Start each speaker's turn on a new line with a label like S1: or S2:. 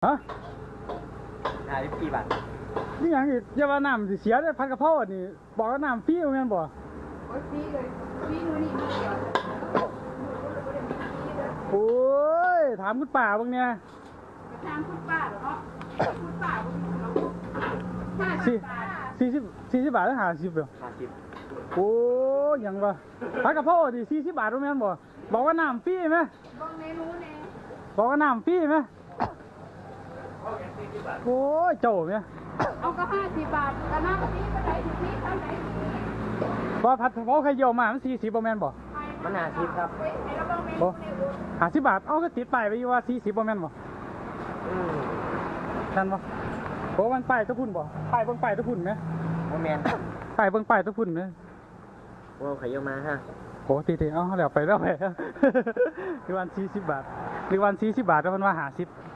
S1: ฮะ
S2: 54 บาท
S1: นี่หยังอีกอย่าว่าน้ำสิเสียได้ผัดกะเพราอันนี้บอกว่าน้ำฟรีแม่นบ่
S3: โอ้ยฟรีเลยฟรีนู่นนี่มีเดียว
S1: โอ้ยถามคุณป้าเบิ่งเนี่ย
S3: กระทางคุณป้าเหรอเนาะคุณป้าเรา
S1: 40บาทหรือ50เด้อ
S2: 50
S1: โอ้ยหยังวะผัดกะเพราดิ40 บาทแม่นบ่บอกว่าน้ำฟรีไหม
S3: บ้องเมนูแน่
S1: บอกว่าน้ำฟรีไหมโอ้ยเจ้าแม่
S3: เอาก็50 บาทกระน้ำฟรีก็ได้ถึงนี้เท่าไหร่
S1: บ่ผัดกะเพราไข่เยี่ยวมามัน40บ่แม่นบ่
S2: มัน50ครับ
S3: เฮ้ยให้เราบ้องเมนู
S1: บ่
S3: เนี่ยดู
S1: 50 บาทเอาก็ติดป้ายไว้อยู่ว่า40บ่แม่นบ่ นั่นบ่โอ้มันป้ายตะพุ่นบ่ป้ายเบิ่งป้ายตะพุ่นไหม
S2: บ่แม่น
S1: ป้ายเบิ่งป้ายตะพุ่นไหม
S2: ว่าไข่เยี่ยวมาฮะ
S1: โอ้ตีๆเอาแล้วไป หรือวัน40 บาทหรือวัน40 บาทแล้วเพิ่นว่า50